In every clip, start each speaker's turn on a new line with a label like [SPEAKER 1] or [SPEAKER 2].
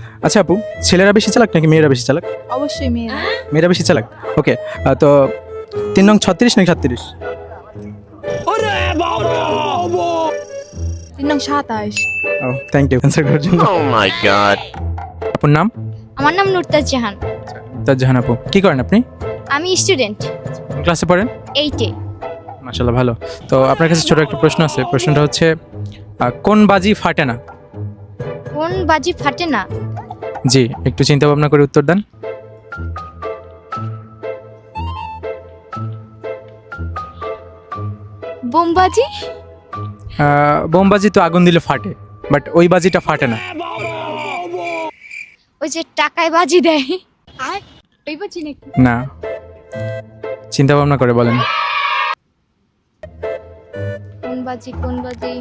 [SPEAKER 1] আচ্ছা আপু, ছেলেরা বেশি চালাক নাকি মেয়েরা বেশি চালাক?
[SPEAKER 2] অবশ্যই মেয়েরা।
[SPEAKER 1] মেয়েরা বেশি চালাক। ওকে, তো 3 নং 36 নাকি 37?
[SPEAKER 2] 3 নং 27।
[SPEAKER 1] ও থ্যাংক ইউ অ্যান্সার করার জন্য।
[SPEAKER 3] Oh my god.
[SPEAKER 1] আপুর নাম?
[SPEAKER 4] আমার নাম নুরতাজ জাহান।
[SPEAKER 1] তাজজাহান আপু, কি করেন আপনি?
[SPEAKER 4] আমি স্টুডেন্ট,
[SPEAKER 1] কোন ক্লাসে পড়েন?
[SPEAKER 4] 8-এ।
[SPEAKER 1] মাশাআল্লাহ ভালো। তো আপনার কাছে ছোট একটা প্রশ্ন আছে। প্রশ্নটা হচ্ছে কোন বাজি ফাটে না?
[SPEAKER 4] কোন বাজি ফাটে না?
[SPEAKER 1] জি, একটু চিন্তা ভাবনা করে উত্তর দেন।
[SPEAKER 4] বোমবাজি।
[SPEAKER 1] বোমবাজি তো আগুন দিলে ফাটে, বাট ওই বাজিটা ফাটে না।
[SPEAKER 4] ওই যে টাকায় বাজি দেয়, ওই বাজি নাকি?
[SPEAKER 1] না, চিন্তা ভাবনা করে বলেন।
[SPEAKER 4] কোন বাজি, কোন বাজি?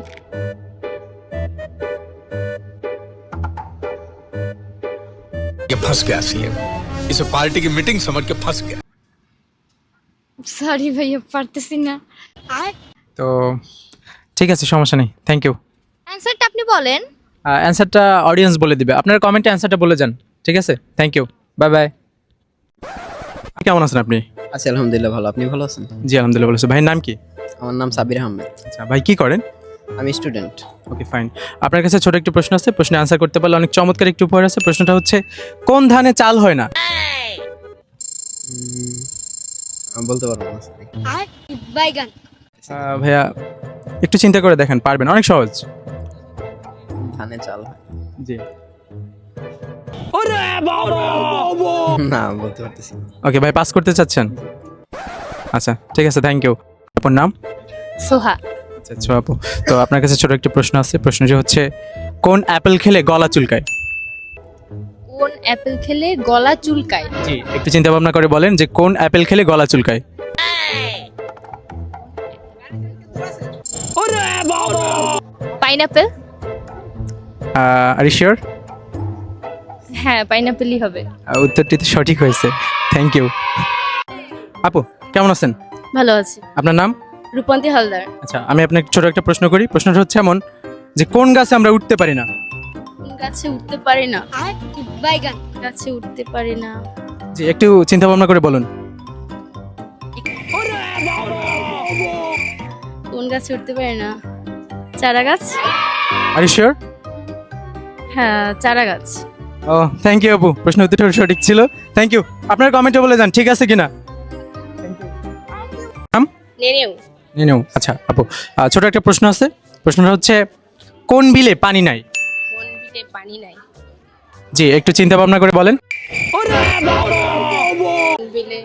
[SPEAKER 5] ये फंस गया सीएम, इसे पार्टी की मीटिंग समझ के फंस गया।
[SPEAKER 4] সরি ভাইয়া, পারতেছি না।
[SPEAKER 1] তো ঠিক আছে, সমস্যা নেই, থ্যাংক ইউ।
[SPEAKER 4] অ্যানসারটা আপনি বলেন।
[SPEAKER 1] অ্যান্সারটা অডিয়েন্স বলে দিবে, আপনার কমেন্টে অ্যান্সারটা বলে যান, ঠিক আছে? Thank you, bye bye. কেমন আছেন আপনি?
[SPEAKER 6] আছি আলহামদুলিল্লাহ ভালো। আপনি ভালো আছেন?
[SPEAKER 1] জি আলহামদুলিল্লাহ ভালো আছি। ভাইয়ের নাম কি?
[SPEAKER 6] আমার নাম সাবির আহমেদ।
[SPEAKER 1] আচ্ছা ভাই, কি করেন?
[SPEAKER 6] আমি স্টুডেন্ট।
[SPEAKER 1] Okay fine. আপনার কাছে ছোট একটি প্রশ্ন আছে, প্রশ্নে আনসার করতে পারলে অনেক চমৎকার একটি উপহার আছে। প্রশ্নটা হচ্ছে কোন ধানে চাল হয় না?
[SPEAKER 6] আমি বলতে পারবো না।
[SPEAKER 4] বাইগান।
[SPEAKER 1] ভাইয়া একটু চিন্তা করে দেখেন, পারবেন, অনেক সহজ।
[SPEAKER 6] ধানে চাল হয়
[SPEAKER 1] জি,
[SPEAKER 6] না, বলতে পারতেছি না।
[SPEAKER 1] ওকে ভাই, পাস করতে চাচ্ছেন? আচ্ছা ঠিক আছে, থ্যাংক ইউ। আপনার নাম?
[SPEAKER 4] সোহা।
[SPEAKER 1] আচ্ছা আচ্ছা আপু, তো আপনার কাছে ছোট একটি প্রশ্ন আছে। প্রশ্নটি হচ্ছে কোন অ্যাপেল খেলে গলা চুলকায়?
[SPEAKER 4] কোন অ্যাপেল খেলে গলা চুলকায়?
[SPEAKER 1] জি, একটু চিন্তা ভাবনা করে বলেন যে কোন অ্যাপেল খেলে গলা চুলকায়।
[SPEAKER 4] পাইনাপেল।
[SPEAKER 1] Are you sure?
[SPEAKER 4] হ্যাঁ, পাইনাপেলই হবে।
[SPEAKER 1] উত্তরটি তো সঠিক হয়েছে, থ্যাংক ইউ। আপু কেমন আছেন?
[SPEAKER 4] ভালো আছে।
[SPEAKER 1] আপনার নাম?
[SPEAKER 4] রূপন্তী হালদার।
[SPEAKER 1] আচ্ছা, আমি আপনাকে ছোট একটা প্রশ্ন করি। প্রশ্নটা হচ্ছে এমন যে কোন গাছে আমরা উঠতে পারি না?
[SPEAKER 4] কোন গাছে উঠতে পারে না? বাইগান। গাছে উঠতে পারে না।
[SPEAKER 1] জি, একটু চিন্তা ভাবনা করে বলুন।
[SPEAKER 4] কোন গাছে উঠতে পারে না? চারা গাছ।
[SPEAKER 1] Are you sure?
[SPEAKER 4] হ্যাঁ, চারা গাছ।
[SPEAKER 1] ও থ্যাংক ইউ আপু, প্রশ্ন উত্তরটা সঠিক ছিল, থ্যাংক ইউ। আপনার কমেন্টে বলে যান ঠিক আছে কিনা।
[SPEAKER 4] নেনেও।
[SPEAKER 1] নিও। আচ্ছা আপু, ছোট একটা প্রশ্ন আছে। প্রশ্নটা হচ্ছে কোন বিলে পানি নাই?
[SPEAKER 4] কোন বিলে পানি নাই?
[SPEAKER 1] জি, একটু চিন্তা ভাবনা করে বলেন।
[SPEAKER 4] কোন বিলে?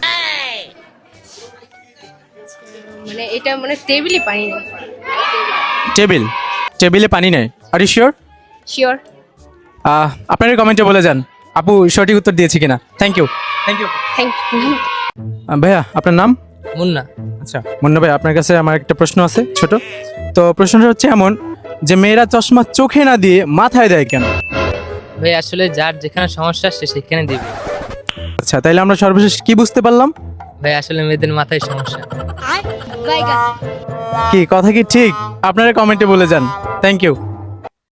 [SPEAKER 4] মানে এটা মানে টেবিলে পানি নেই।
[SPEAKER 1] টেবিল, টেবিলে পানি নাই। Are you sure?
[SPEAKER 4] শিওর।
[SPEAKER 1] আপনার কমেন্টে বলে যান আপু সঠিক উত্তর দিয়েছি কিনা। Thank you, thank you.
[SPEAKER 4] Thank you.
[SPEAKER 1] ভাইয়া আপনার নাম?
[SPEAKER 7] মুন্না।
[SPEAKER 1] আচ্ছা মুন্না ভাই, আপনার কাছে আমার একটা প্রশ্ন আছে ছোট। তো প্রশ্নটা হচ্ছে এমন যে মেয়েরা চশমা চোখে না দিয়ে মাথায় দেয় কেন?
[SPEAKER 7] ভাই আসলে যার যেখানে সমস্যা সে সেখানে দিবে।
[SPEAKER 1] আচ্ছা, তাইলে আমরা সর্বশেষ কি বুঝতে পারলাম?
[SPEAKER 7] ভাই আসলে মেয়েদের মাথায় সমস্যা।
[SPEAKER 4] বাইগান।
[SPEAKER 1] কি কথা কি ঠিক? আপনারা কমেন্টে বলে যান, থ্যাংক ইউ।